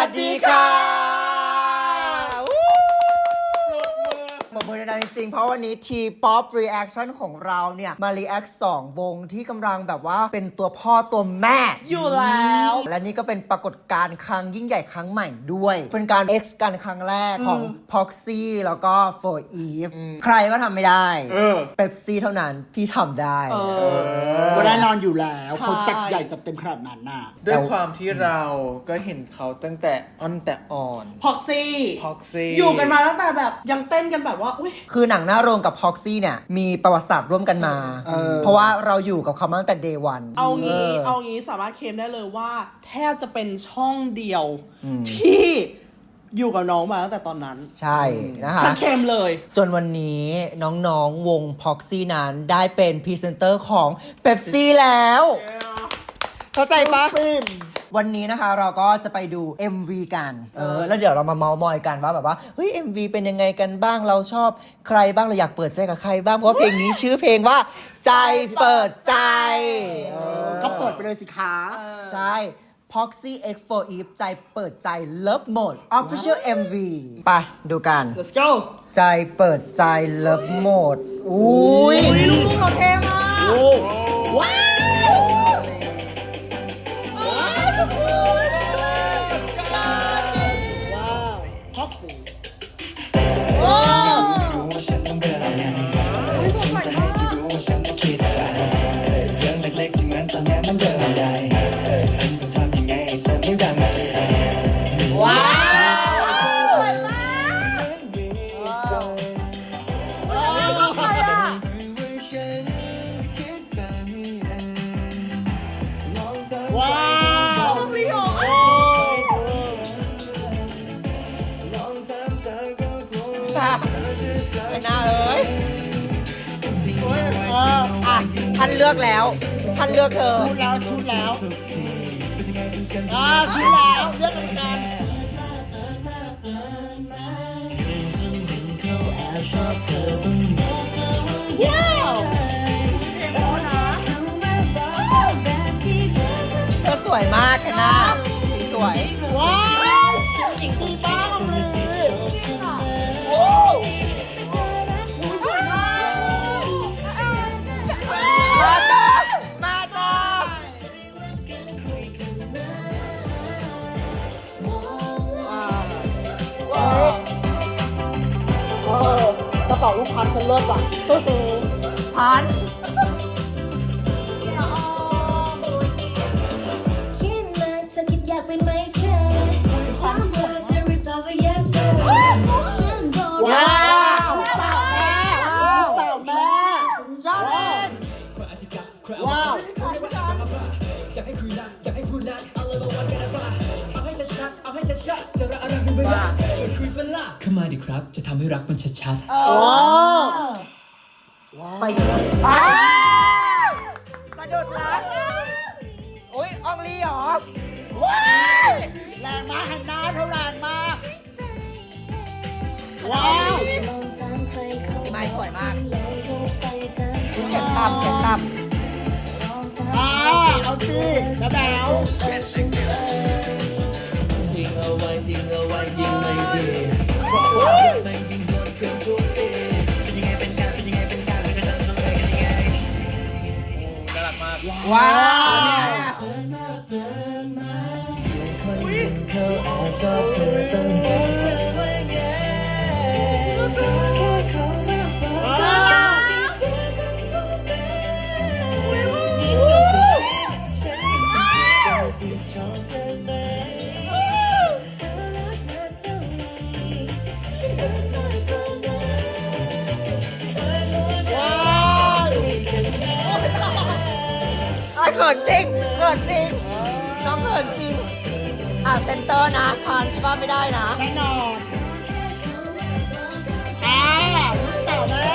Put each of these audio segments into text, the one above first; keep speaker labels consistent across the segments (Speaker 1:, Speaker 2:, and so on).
Speaker 1: สดีค่ะปรบมือดังๆจริงๆเพราะวันนี้ T-POP Reaction ของเราเนี่ยมา react 2 วงที่กำลังแบบว่าเป็นตัวพ่อตัวแม่
Speaker 2: อยู่แล้ว
Speaker 1: และนี่ก็เป็นปรากฏการณ์ครั้งยิ่งใหญ่ครั้งใหม่ด้วย เป็นการ X กันครั้งแรกของ Proxy แล้วก็ For Eve ใครก็ทำไม่ได้เ Pepsi เท่านั้นที่ทำได้
Speaker 3: ก็แน่นอนอยู่แล้วเขาจัดใหญ่จัดเต็มขนาดนั้นน่ะ
Speaker 4: ด้วยความที่เราก็เห็นเขาตั้งแต่อ่อน
Speaker 2: Proxy อยู่กันมาตั้งแต่แบบยังเต้นกันแบบว่า
Speaker 1: คือหนังหน้าโรงกับ Proxy เนี่ยมีประวัติศาสตร์ร่วมกันมาเพราะว่าเราอยู่กับเขามาตั้งแต่ Day 1
Speaker 2: เอางี้สามารถเคลมได้เลยว่าแทบจะเป็นช่องเดียวที่อยู่กับน้องมาตั้งแต่ตอนนั้น
Speaker 1: ใช่นะคะ
Speaker 2: ฉันเคลมเลย
Speaker 1: จนวันนี้น้องๆวง Proxy นั้นได้เป็นพรีเซนเตอร์ของ Pepsi แล้วเข้าใจปะวันนี้นะคะเราก็จะไปดู MV กันแล้วเดี๋ยวเรามาเมาท์มอยกันว่าแบบว่าเฮ้ย MV เป็นยังไงกันบ้างเราชอบใครบ้างเราอยากเปิดใจกับใครบ้างเพราะว่าเพลงนี้ชื่อเพลงว่าใจเปิดใจ
Speaker 3: ก็เปิดไปเลยสิคะ
Speaker 1: ใช่ Proxy X for Eve ใจเปิดใจ Love Mode Official MV ไปดูกัน
Speaker 2: Let's go
Speaker 1: ใจเปิดใจ Love Mode อุ้ย
Speaker 2: ลูกเราเท่มาก
Speaker 3: ว้าว
Speaker 1: ไม่น่าเลยท่านเลือกแล้วท่านเลือกเธอ
Speaker 3: ชุดแล้วชุดแล้วเลือกกันว้าว
Speaker 1: เธอสวยมากค่ะนะสีสวย
Speaker 3: ว้าวดีมากเลยกระเป๋าลูกพันฉันเลิศว่ะ
Speaker 1: พัน
Speaker 5: อยากเป็นไหมเธอทำเพื่อจะรีบตอบว่า yes
Speaker 3: ว้าวสาวแม่ชอบเล่นว้าว
Speaker 6: อยากให้คุยนะอยากให้พูดนะเอาเลยมาวันกันนะเอาให้ชัดๆเอาให้ชัดๆจะรักอะไรเป็นไปได้คุยเป็นล่ะเข้ามาดิครับจะทำให้รักมันชัด
Speaker 1: ไปเลยสะดุดรักโอ้ยอองลีหรอ
Speaker 3: ว้าวแรงมากหันหน้าเท่าแรงมากว้าว
Speaker 1: พี่ไม้สวยมากเสียงต่ำ
Speaker 3: เอาสิแล้ว
Speaker 6: ทิ้งเอาไว้ยิ่งไม่ดีเพราะว่ามันยิ่งโดนเครื่องทุกสิ่งเป็นยังไงเป็นการก็จะต้องเลยกันยังไงน่ารักมาก
Speaker 1: ว้าวเขินจริงน้องเขินจริงเซนเตอร์นะพานใช่ป่ะไม่ได้นะ
Speaker 3: แน่นอนเต่าแม่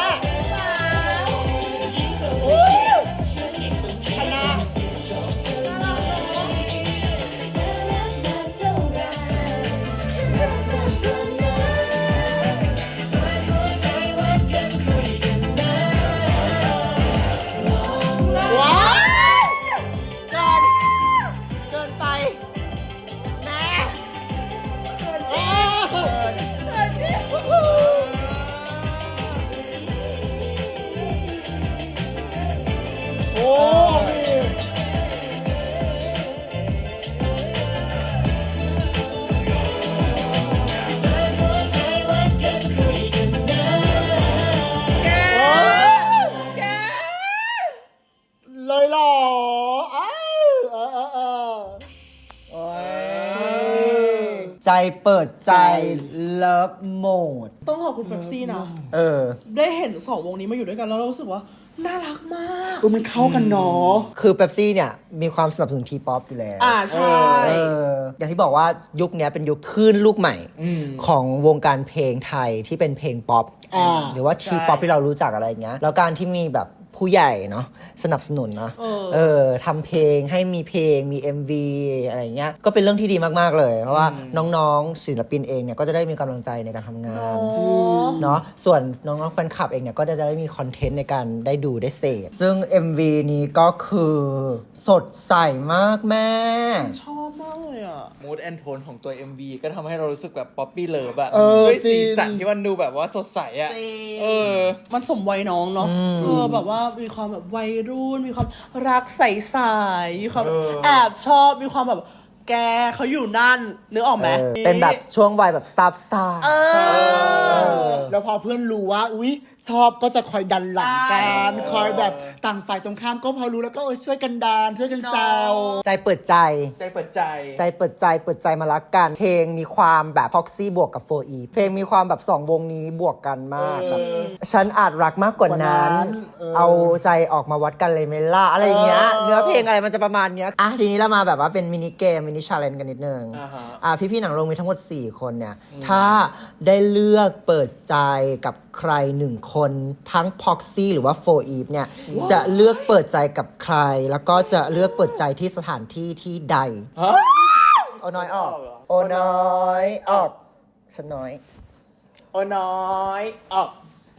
Speaker 1: ใจเปิดใจเลิฟโหมด
Speaker 2: ต้องขอบคุณเป๊ปซี่นะ
Speaker 1: เออ
Speaker 2: ได้เห็น2 วงนี้มาอยู่ด้วยกันแล้วเรารู้สึกว่าน่ารักมาก
Speaker 3: มันเข้ากันเนาะ
Speaker 1: คือเป๊ปซี่เนี่ยมีความสนับสนุนทีป๊อปอยู่แล้ว
Speaker 2: ใช่
Speaker 1: อย่างที่บอกว่ายุคนี้เป็นยุคคลื่นลูกใหม่ของวงการเพลงไทยที่เป็นเพลงป๊อป หรือว่าทีป๊อปที่เรารู้จักอะไรอย่างเงี้ยแล้วการที่มีแบบผู้ใหญ่เนาะสนับสนุนเนาะทำเพลงให้มีเพลงมี MV อะไรเงี้ยก็เป็นเรื่องที่ดีมากๆเลยเพราะว่าน้องๆศิลปินเองเนี่ยก็จะได้มีกำลังใจในการทำงานเนาะส่วนน้องๆแฟนคลับเองเนี่ยก็จะได้มีคอนเทนต์ในการได้ดูได้เสพซึ่ง MV นี้ก็คือสดใสมากแม่
Speaker 2: ชอบมากเลยอ่ะ
Speaker 4: มูดแอนโทนของตัว MV ก็ทำให้เรารู้สึกแบบป๊อปปี้เลิฟอะ
Speaker 3: อ
Speaker 4: ด้วยสี
Speaker 3: จริง
Speaker 4: สันที่มันดูแบบว่าสดใสอะเออ
Speaker 2: มันสมวัยน้องเนาะแบบว่ามีความแบบวัยรุ่นมีความรักใสๆมีความแอบชอบมีความแบบแกเขาอยู่นั่นนึกออกไหม
Speaker 1: เป็นแบบช่วงวัยแบบซับซ่า
Speaker 3: แล้วพอเพื่อนรู้ว่าอุ๊ยชอบก็จะคอยดันหลังกันคอยแบบต่างฝ่ายตรงข้ามก็พอรู้แล้วก็ช่วยกันดันช่วยกันแซว
Speaker 1: ใจเปิดใจ
Speaker 4: ใจเปิดใจ
Speaker 1: ใจเปิดใจมารักกัน เพลงมีความแบบพ็อกซี่บวกกับ4 e เพลงมีความแบบ2 วงนี้บวกกันมากแบบฉันอาจรักมากกว่านั้น เอาใจออกมาวัดกันเลยไหมล่ะอะไรอย่างเงี้ยเนื้อเพลงอะไรมันจะประมาณเนี้ยทีนี้เรามาแบบว่าเป็นมินิเกมมินิชาเลนจ์กันนิดนึงพี่ๆหนังโรงมีทั้งหมด4 คนเนี่ยถ้าได้เลือกเปิดใจกับใคร1 คนทั้งพ็อกซี่หรือว่า4 e เนี่ยจะเลือกเปิดใจกับใครแล้วก็จะเลือกเปิดใจที่สถานที่ที่ใดโอน้อยออกโอน้อยออกฉันน้อย
Speaker 4: โอ้น้อยออก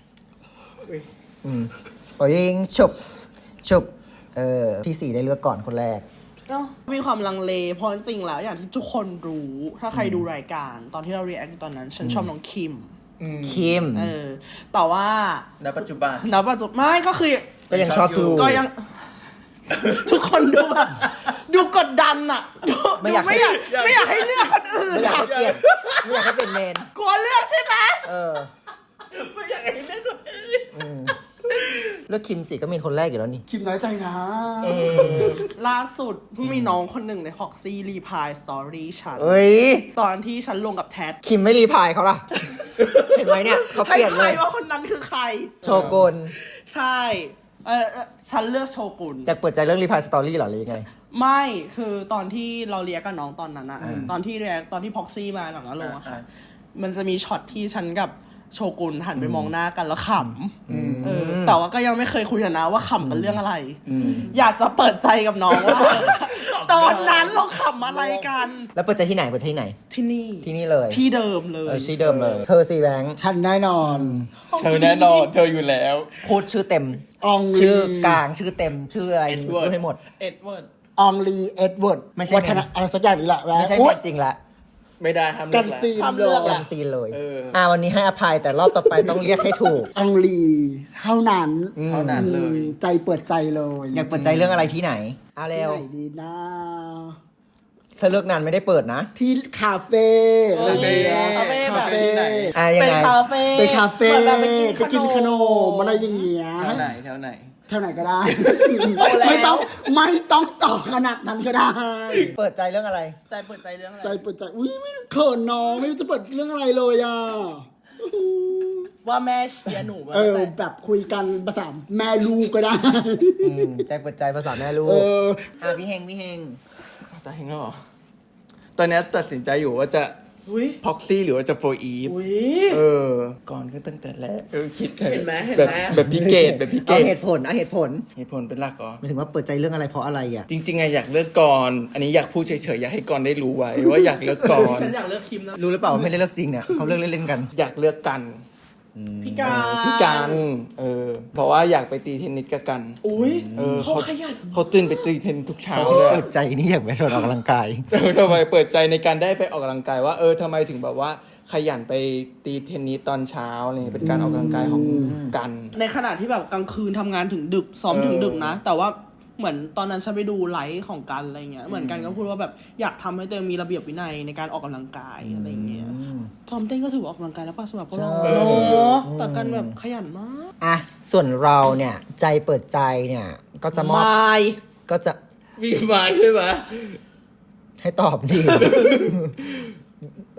Speaker 1: โอ้ยิงฉุบที่4ได้เลือกก่อนคนแรก
Speaker 2: มีความลังเลเพราะจริงๆแล้วอย่างที่ทุกคนรู้ถ้าใครดูรายการตอนที่เรา react ตอนนั้น ฉันชอบน้องคิม
Speaker 1: คิม
Speaker 2: แต่ว่า
Speaker 4: ณปัจจุบัน
Speaker 2: ณปัจจุบันไม่ก็คือ
Speaker 1: ก็ยังชอบดู
Speaker 2: ก็ยัง ทุกคนดูแบบดูกดดันอะดู
Speaker 1: ไม่อยาก
Speaker 2: ไม่อยากให้เลือกคนอื่น
Speaker 1: ไม่อยาก
Speaker 2: อะ
Speaker 1: ให้เปลี่ยนไม่อยากให้เปลี่ยนเมน
Speaker 2: กลัวเลือกใช่ไหม
Speaker 4: ไม่อยากให้เล่นคนอื่น
Speaker 1: เลือกคิมสิก็มีคนแรกอยู่แล้วนี่
Speaker 3: คิมน้อยใจนะ
Speaker 2: ล่าสุดเพิ่งมีน้องคนหนึ่งในฮอกซี่รีพายสตอรี่ฉัน
Speaker 1: เอ้ย
Speaker 2: ตอนที่ฉันลงกับแท็ด
Speaker 1: คิมไม่รีพลายเขาล่ะ เห็นไหมเนี่ยเขาเปลี่ยน
Speaker 2: ใค
Speaker 1: เล
Speaker 2: ร
Speaker 1: ย
Speaker 2: ว่าคนนั้นคือใคร
Speaker 1: โชกุน
Speaker 2: ใช่ฉันเลือกโชกุน
Speaker 1: อยากเปิดใจเรื่องรีพลายสตอรี่หรอหรือยังไง
Speaker 2: ไม่คือตอนที่เราเรียกกับน้องตอนนั้นอะตอนที่เรียกตอนที่พ็อกซี่มาหลังแล้วลงอะค่ะมันจะมีช็อตที่ฉันกับโชกุนหันไปมองหน้ากันแล้วขำแต่ว่าก็ยังไม่เคยคุยกันนะว่าขำกันเรื่องอะไร อยากจะเปิดใจกับน้องว่า ตอนนั้นเราขำอะไรกัน
Speaker 1: แล้วเปิดใจที่ไหนเปิดใจที่ไหน
Speaker 2: ที่นี่
Speaker 1: ที่นี่เลย
Speaker 2: ที่เดิมเลย
Speaker 1: ที่เดิมเลย เธอซีแบงค์
Speaker 3: ฉันแน่นอน
Speaker 4: เธอแน่นอนเธออยู่แล้ว
Speaker 1: พูดชื่อเต็ม
Speaker 3: อองลี
Speaker 1: ชื่อกลางชื่อเต็มชื่ออะไร
Speaker 4: Edward
Speaker 1: พูดให้หมด
Speaker 2: เอ็ดเวิร์ด
Speaker 3: อองลีเอ็ดเวิร์ด
Speaker 1: ไม่ใช่
Speaker 3: วัฒนะอะไรสักอย่างนี่แหละ
Speaker 1: ไม่ใช่
Speaker 3: อุ๊
Speaker 1: เม
Speaker 3: ย
Speaker 1: นจริงละ
Speaker 4: ไม่ได้ทำ
Speaker 3: กัน
Speaker 4: แล้ว
Speaker 3: ซีน
Speaker 2: ทำเรื่อง
Speaker 3: เลย
Speaker 1: กันซีนเลย
Speaker 4: เออ
Speaker 1: วันนี้ให้อภัยแต่รอบต่อไปต้องเรียกให้ถูก
Speaker 3: อองลีเท่านั้น
Speaker 4: เท่านั้นเลย
Speaker 3: ใจเปิดใจเลย
Speaker 1: อยากเปิดใจเรื่องอะไรที่ไหนเร็
Speaker 3: ที่
Speaker 1: ว
Speaker 3: ไหนดีนะ
Speaker 1: เธอเลือกนานไม่ได้เปิดนะ
Speaker 3: ที่คาเฟ่อะไรอย่างเงี้ย
Speaker 2: คาเฟ่แบบ
Speaker 4: ที่ไหน
Speaker 1: ยัง
Speaker 2: เป็น
Speaker 1: ไง
Speaker 2: คาเฟ่
Speaker 3: ไปคาเฟ่
Speaker 2: หมือนแบบ
Speaker 3: ไปกินขนมอะไรอย่างเงี้ย
Speaker 4: แถวไหนแถวไหน
Speaker 3: เท่าไหนก็ได้ ไม่ต้องต่อขนาดนั้นก็ได้
Speaker 1: เปิดใจเรื่องอะไร
Speaker 2: ใจเปิดใจเรื่องอะไร
Speaker 3: ใจเปิดใจ อุ้ยไม่เขินน้องไม่รู้จะเปิดเรื่องอะไรเลยอ่ะ
Speaker 2: ว่าแม่เชียร์หนูมา
Speaker 3: แบบคุยกันภาษาแม่ลูกก็ได้
Speaker 1: ใจเปิดใจภาษาแม่ลูก พี่เฮง
Speaker 4: ตาเฮงแล้วเหรอ ตอนนี้ตัดสินใจอยู่ว่าจะ
Speaker 2: อุ้ย
Speaker 4: พ็อกซี่หรือว่าจะโฟอีฟ
Speaker 2: อุ้ย
Speaker 4: ก่อนก็ตั้งแต่แรกคิด
Speaker 2: เห็นไหม
Speaker 4: แบบพี่เกดแบบพี่เก
Speaker 1: เอา
Speaker 4: ด
Speaker 1: เหตุผลเอาเหตุผล
Speaker 4: เหตุผลเป็นหลักเหรอ
Speaker 1: หมายถึงว่าเปิดใจเรื่องอะไรเพราะอะไรอ่ะ
Speaker 4: จริงๆอะอยากเลือกก่อน อันนี้อยากพูดเฉยๆอยากให้ก่อนได้รู้ไว้ว่าอยากเลือกก่อน
Speaker 2: ฉันอยากเลือกคิมนะ
Speaker 1: รู้หรือเปล่าว่าไม่ได้เลือกจริงเนี่ยเขาเลือกเล่นๆกัน
Speaker 4: อยากเลือกกัน
Speaker 2: พี่การ
Speaker 4: พี่กันเพราะว่าอยากไปตีเทนนิสกับกัน
Speaker 2: อุ้ย
Speaker 4: เขา
Speaker 2: ขยัน
Speaker 4: เขาตื่นไปตีเทนนิสทุกเช้าเลย
Speaker 1: เปิดใจนี่อยากไปชวนออกกำลังกาย
Speaker 4: ทำไมเปิดใจในการได้ไปออกกำลังกายว่าทำไมถึงแบบว่าขยันไปตีเทนนิสตอนเช้าเนี่ยเป็นการออกกำลังกายของกัน
Speaker 2: ในขณะที่แบบกลางคืนทำงานถึงดึกซ้อมถึงดึกนะ แต่ว่าเหมือนตอนนั้นฉันไปดูไลฟ์ของกันอะไรเงี้ยเหมือนกันก็พูดว่าแบบอยากทำให้ตัวเองมีระเบียบวินัยในการออกกำลังกายอะไรเงี้ยซ้อมเต้นก็ถือว่าออกกำลังกายแล้วป่ะสำหรับพวกเรา
Speaker 1: ใช่
Speaker 2: เนอะแต่กันแบบขยันมาก
Speaker 1: อ่ะส่วนเราเนี่ยใจเปิดใจเนี่ยก็จะมอบ
Speaker 2: ไม่
Speaker 1: ก็จะ
Speaker 4: มีมาใช่ไหม
Speaker 1: ให้ตอบดี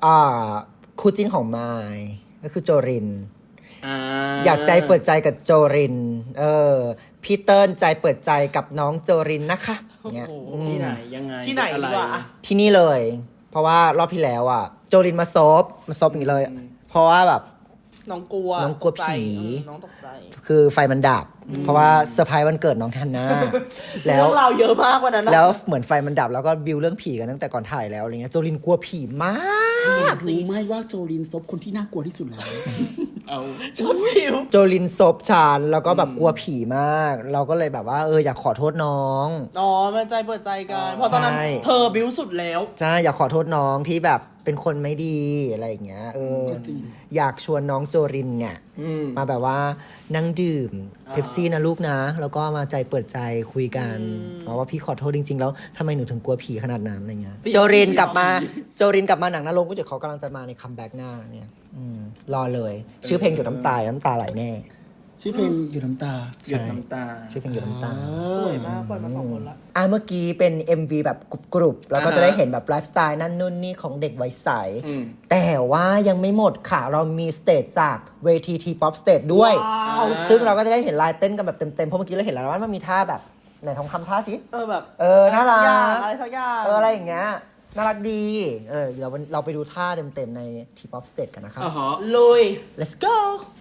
Speaker 1: คู่จิ้นของไมค์ก็คือโจริน
Speaker 4: อ่า
Speaker 1: อยากใจเปิดใจกับโจริน พี่เติ้ลใจเปิดใจกับน้องโจรินนะคะเนี่ย
Speaker 4: ที่ไหนยังไง
Speaker 2: ที่ไหน
Speaker 4: อะไร
Speaker 2: ดีกว่า
Speaker 1: ที่นี่เลย เพราะว่ารอบที่แล้วอ่ะ โจรินมาซบอย่างนี้เลย เพราะว่าแบบ
Speaker 2: น้องกลัว
Speaker 1: น้องกลัว
Speaker 2: ตใจ
Speaker 1: ผี
Speaker 2: น้องตกใจ
Speaker 1: คือไฟมันดับ เพราะว่าเซอร์ไพรส์วันเกิดน้องฮันน่าแล้ว
Speaker 2: เรื่องราวเยอะมากกว่านั้นนะ
Speaker 1: แล้วเหมือนไฟมันดับแล้วก็บิวเรื่องผีกันตั้งแต่ก่อนถ่ายแล้วอะไรเงี้ยโจลินกลัวผีมาก
Speaker 3: รู้ไหมว่าโจลินซบคนที่น่ากลัวที่สุดแล้ว
Speaker 4: เอา
Speaker 2: ชอบผิว
Speaker 1: โจลินซบชานแล้วก็แบบกลัวผีมาก เราก็เลยแบบว่าอยากขอโทษน้อง
Speaker 2: อ๋อมันใจเปิดใจกันเพราะตอนนั้น
Speaker 1: ใช่
Speaker 2: เธอบิ้วสุดแล้ว
Speaker 1: ใช่อยากขอโทษน้องที่แบบเป็นคนไม่ดีอะไรอย่างเงี้ย
Speaker 3: ก็จริง
Speaker 1: อยากชวนน้องโจรินเนี่ยมาแบบว่านั่งดื่มเพปซี่นะลูกนะ แล้วก็มาใจเปิดใจคุยกันว่าพี่ขอโทษจริง ๆ แล้วทำไมหนูถึงกลัวผีขนาดนั้นอะไรเงี้ยโจรินกลับมาหนังนรกก็เดี๋ยวเขากำลังจะมาในคัมแบ็กหน้าเนี่ยรอเลย ชื่อเพลงหยดน้ำตาไหลแน่
Speaker 3: ชื่อเพลงอยู่น้ำตา
Speaker 4: หยดน้ำตา
Speaker 1: ชื่อเพลงหยดน้ำตา
Speaker 2: สวยมากปล่อยมา2 คนละ
Speaker 1: เมื่อกี้เป็น MV แบบกรุบๆแล้วก็จะได้เห็นแบบไลฟ์สไตล์นั่นนู่นนี่ของเด็กวัยใส แต่ว่ายังไม่หมดค่ะ เรามีสเตจจากเวทีทีป๊อปสเตจด้วย
Speaker 2: ว้าว
Speaker 1: ซึ่งเราก็จะได้เห็นลายเต้นกันแบบเต็มๆ เพราะเมื่อกี้เราเห็นแล้วว่ามันมีท่าแบบไหนทองคำท่าสิ
Speaker 2: แบบ
Speaker 1: น่ารัก
Speaker 2: อะไรสักอย่าง
Speaker 1: อะไรอย่างเงี้ย น่ารักดี เราไปดูท่าเต็มๆในทีป๊อปสเตจกันนะครับ
Speaker 4: อ๋อฮะ
Speaker 2: ลุย
Speaker 1: let's go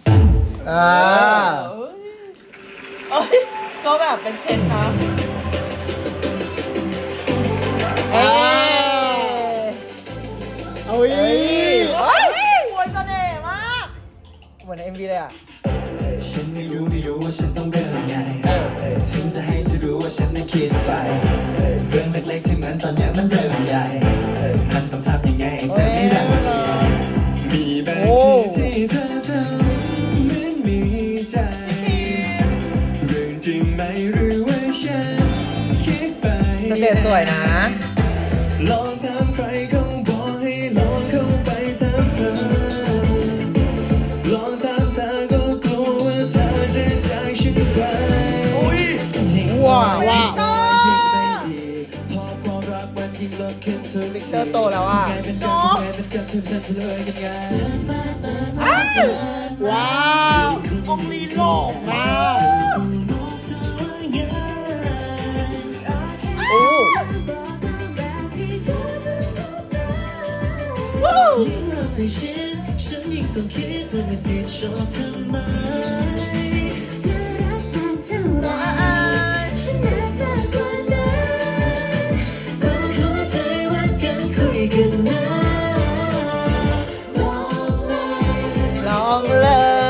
Speaker 2: เอ้ยก็แบบเป็นเซตนะ
Speaker 3: เอาอี
Speaker 2: โอ้ยเสน่ห์มาก
Speaker 1: เหมือนใน MV เลยอ่ะ
Speaker 6: ฉันไม่รู้ว่าฉันต้องเริ่มไงถึงจะให้เธอรู้ว่าฉันนั้นคิดไปเรื่องเล็กๆที่เหมือนตอนเนี้ยมันเริ่มใหญ่มันต้องทำยังไงให้เธอไม่รังเกียจมีบางทีที่เธอทำเหมือนมีใจเรื่องจริงไหมหรือว่าฉันคิดไป
Speaker 1: สเตจสวยนะ
Speaker 6: ลองถามใครเขาบอกให้ลองเข้าไปถามเธอลองถามเธอก็กลัวว่าเธอจะจากฉันไป
Speaker 1: ว้าว
Speaker 6: พอความรักมันยิ่งเลิกขึ้นเธอ
Speaker 1: วิกเตอร์โตแล้วอ่ะ
Speaker 6: กลายเป็นการเป็นการถึงฉันจะเลยกันไง
Speaker 3: ว้าว
Speaker 2: องลีหล่อมาก
Speaker 1: โอ้
Speaker 6: ยิ่งรักให้ชิดฉันยิ่งต้องคิดว่ามีสิทธิ์ชอบทำไม หัวใจวัดกันคุยกันนะลองเลย
Speaker 1: ลองเลย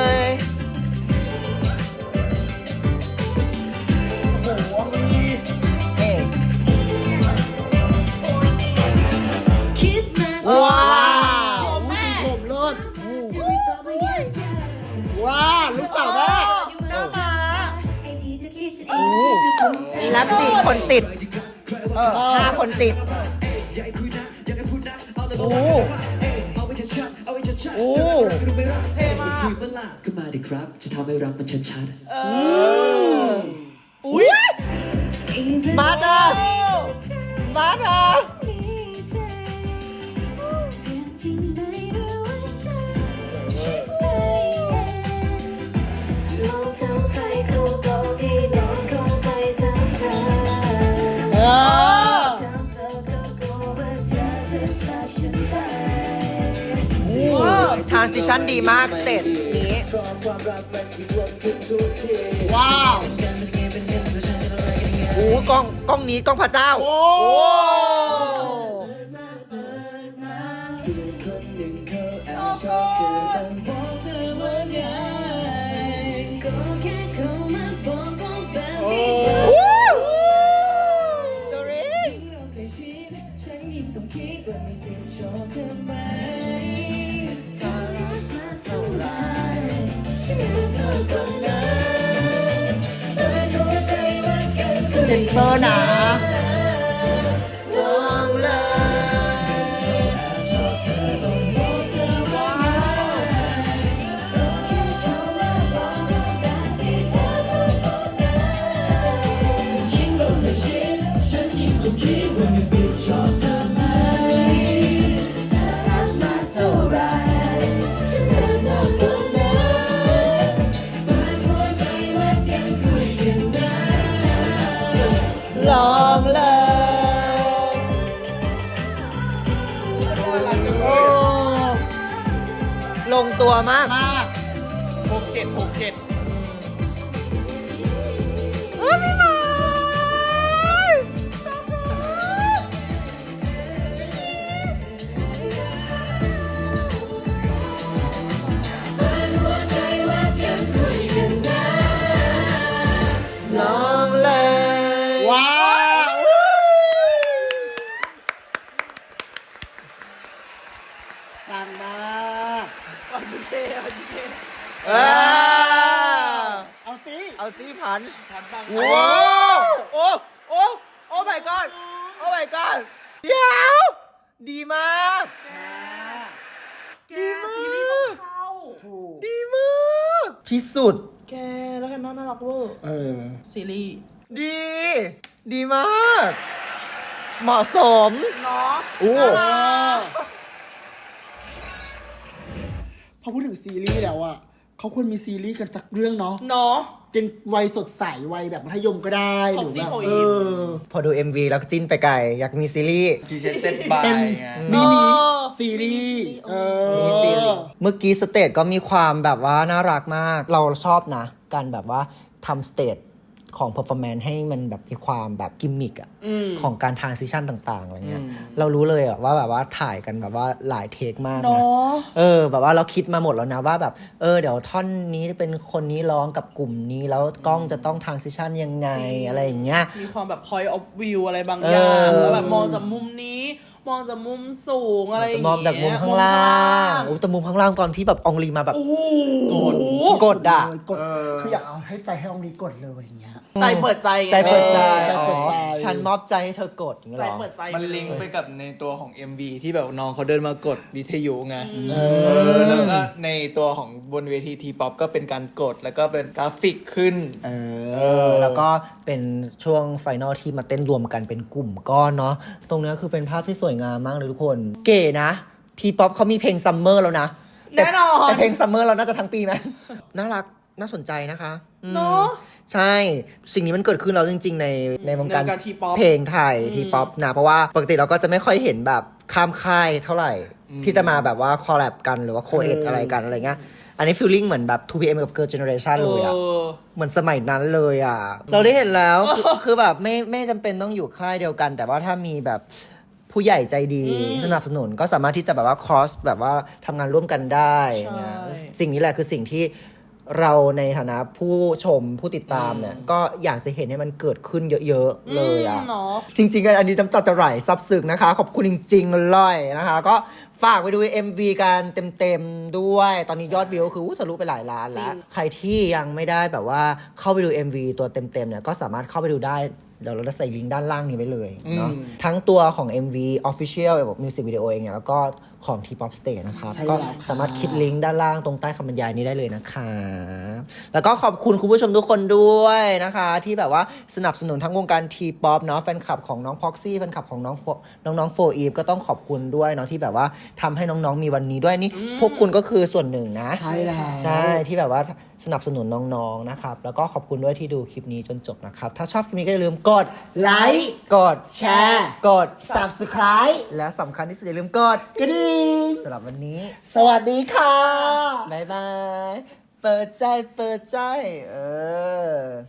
Speaker 2: โอ้โหองลี
Speaker 1: เอ๊ะ
Speaker 3: ว้า
Speaker 1: ว้าว
Speaker 3: วสีผมเลิศว้าลูกสาวแม่
Speaker 2: หน้ามา
Speaker 1: นับ4 คนติด 5 คนติด โอ้โอ้
Speaker 2: เท่มาก
Speaker 6: คุยเปล่าก็มาดิครับ จะทำให้รักมันชัดๆ
Speaker 2: อุ้ย
Speaker 1: มาเถอะมาเถอะ
Speaker 3: เออ
Speaker 1: ทรานซิชันดีมากสเตจนี้
Speaker 3: ว้าว
Speaker 1: โอ้กล้องนี้กล้องพระเจ้า โอ้ โจริน
Speaker 3: เซ็นเตอร์นะ
Speaker 1: ลองเลย
Speaker 6: ฉันยิ่งต้องคิดว่ามีสิทธิ์ชอบเธอไหม
Speaker 1: ลงตัวมาก
Speaker 3: มาก
Speaker 2: 67
Speaker 1: น้องเลย
Speaker 3: ว้าวดังมาก
Speaker 2: โอเค
Speaker 1: เออ
Speaker 3: เอาสิ
Speaker 1: เอาซีพันช์
Speaker 2: ทันบ้าง
Speaker 1: ว้าวโอ้โอ้โอ้ my god โอ้ my god เดี๋ยวดีมาก
Speaker 2: แกซีรีส์ต้องเข้า
Speaker 3: ถูก
Speaker 1: ดีมากที่สุด
Speaker 2: แกแล้วแฮนน่ารักเวอร์
Speaker 3: เออ
Speaker 2: ซีรีส์
Speaker 1: ดี ดีมาก เหมาะสม
Speaker 2: เนาะ
Speaker 1: โอ้
Speaker 3: พอพูดถึงซีรีส์แล้วอ่ะเขาควรมีซีรีส์กันสักเรื่องเนาะ
Speaker 2: เนาะ
Speaker 3: เป็นวัยสดใสวัยแบบมัธยมก็ได้หรือแบบ
Speaker 2: ของซี
Speaker 3: เอ
Speaker 2: โฟอีฟ
Speaker 3: อ
Speaker 1: พอดู MV แล้วก็จิ้นไปไกล อยากมีซีรีส์
Speaker 4: พรีเซนเต็ดบาย
Speaker 3: เป็น
Speaker 4: ไง
Speaker 3: มินิ
Speaker 2: เออ
Speaker 3: ซีรีส์เออ
Speaker 1: มินิซีรีส์เมื่อกี้สเตจก็มีความแบบว่าน่ารักมาก เราชอบนะ การแบบว่าทำสเตจของ performance ให้มันแบบมีความแบบกิมมิกอะของการ transition ต่างๆอะไรเงี้ย เรารู้เลยอะว่าแบบว่าถ่ายกันแบบว่าหลายเทคมาก
Speaker 2: เนา
Speaker 1: นะ
Speaker 2: ะ
Speaker 1: แบบว่าเราคิดมาหมดแล้วนะว่าแบบเดี๋ยวท่อนนี้เป็นคนนี้ร้องกับกลุ่มนี้แล้วกล้องจะต้อง transition ยังไงอะไรอย่างเงี้ย
Speaker 2: มีความแบบ point of view อะไรบางอย่าง แล้วแบบมองจากมุมนี้ มองจากมุมสูงอะไรอย่าง
Speaker 1: ม
Speaker 2: เงี้
Speaker 1: อย งจากมุมข้างล่างแต่มุมข้างล่างตอนที่แบบอองลีมาแบบ
Speaker 2: โอ้โห
Speaker 1: กดอ่ะ
Speaker 3: กดคืออยากเอาให้ใจให้องนี้กดเลยอย่างเงี้ย
Speaker 2: ใจเปิดใจไง
Speaker 1: ใจเปิดใจ
Speaker 3: ใจเปิดใจ
Speaker 1: ฉันมอบใจให้เธอกดอย่างเงี้ย
Speaker 2: ใจ
Speaker 1: เหรอ
Speaker 2: เปิดใจ
Speaker 4: มันลิงก์ไปกับในตัวของ MV ที่แบบน้องเขาเดินมากดวิทยุไง
Speaker 3: เอ
Speaker 4: แล้ว
Speaker 3: อ
Speaker 4: ก็ในตัวของบนเวทีทีป๊อปก็เป็นการกดแล้วก็เป็นกราฟิกขึ้น
Speaker 1: แล้วก็เป็นช่วงไฟนอลที่มาเต้นรวมกันเป็นกลุ่มก้อนเนาะตรงเนี้ยคือเป็นภาพที่สวยงามมากเลยทุกคน เก๋นะ ทีป๊อปเขามีเพลงซัมเมอร์แล้วนะ
Speaker 2: แน่นอน
Speaker 1: แต่เพลงซัมเมอร์เราน่าจะทั้งปีไหม น่ารักน่าสนใจนะคะอืม
Speaker 2: เนาะ
Speaker 1: ใช่ สิ่งนี้มันเกิดขึ้นแล้วจริง ๆ ในวงการ
Speaker 2: ในวงการ T-pop
Speaker 1: เพลงไทยทีป๊อปนะ เพราะว่าปกติเราก็จะไม่ค่อยเห็นแบบข้ามค่ายเท่าไหร่ ที่จะมาแบบว่าคอลแลบกันหรือว่าโคเอดอะไรกันอะไรเงี้ย อันนี้ฟีลลิ่งเหมือนแบบ 2PM กับ Girl Generation เลยอะ เหมือนสมัยนั้นเลยอ่ะ เราได้เห็นแล้ว คือแบบไม่จำเป็นต้องอยู่ค่ายเดียวกัน แต่ว่าถ้ามีแบบผู้ใหญ่ใจดีสนับสนุนก็สามารถที่จะแบบว่า cross แบบว่าทำงานร่วมกันได้นะสิ่งนี้แหละคือสิ่งที่เราในฐานะผู้ชมผู้ติดตามเนี่ยก็อยากจะเห็นให้มันเกิดขึ้นเยอะๆเลยอ่ะ
Speaker 2: เนาะ
Speaker 1: จริงๆ อันนี้น้ำตาจะไหลซับซึ้งนะคะ ขอบคุณจริงๆเลยนะคะ ก็ฝากไปดู MV กันเต็มๆด้วย ตอนนี้ยอดวิวคือทะลุไปหลายล้านแล้ว ใครที่ยังไม่ได้แบบว่าเข้าไปดู MV ตัวเต็มๆเนี่ยก็สามารถเข้าไปดูได้เดี๋ยวเราจะใส่ลิงก์ด้านล่างนี้ไว้เลยเนาะทั้งตัวของ MV Official Music Video เองเนี่ยแล้วก็ของ T-pop Stage นะครับ
Speaker 3: ใช่
Speaker 1: ก็
Speaker 3: แล้วค่ะ
Speaker 1: สามารถคลิกลิงก์ด้านล่างตรงใต้คำบรรยายนี้ได้เลยนะคะแล้วก็ขอบคุณคุณผู้ชมทุกคนด้วยนะคะ ที่แบบว่าสนับสนุนทั้งวงการ T-pop เนาะแฟนคลับของน้อง Proxy แฟนคลับของน้องโฟอีฟก็ต้องขอบคุณด้วยเนาะที่แบบว่าทำให้น้องๆมีวันนี้ด้วยนี่พวกคุณก็คือส่วนหนึ่งนะ
Speaker 3: ใช่แล้ว
Speaker 1: ใช่ที่แบบว่าสนับสนุนน้องๆนะครับแล้วก็ขอบคุณด้วยที่ดูคลิปนี้จนจบนะครับถ้าชอบคลิปนี้ก็อย่าลืมกด
Speaker 3: ไลค์
Speaker 1: กด
Speaker 3: แชร์
Speaker 1: กด
Speaker 3: subscribe
Speaker 1: และสำคัญที่สุดอย่าลืมกด
Speaker 3: กระดิ่ง
Speaker 1: สำหรับวันนี้
Speaker 3: สวัสดีค่ะ
Speaker 1: บ๊ายบาย เปิดใจ เปิดใจ เออ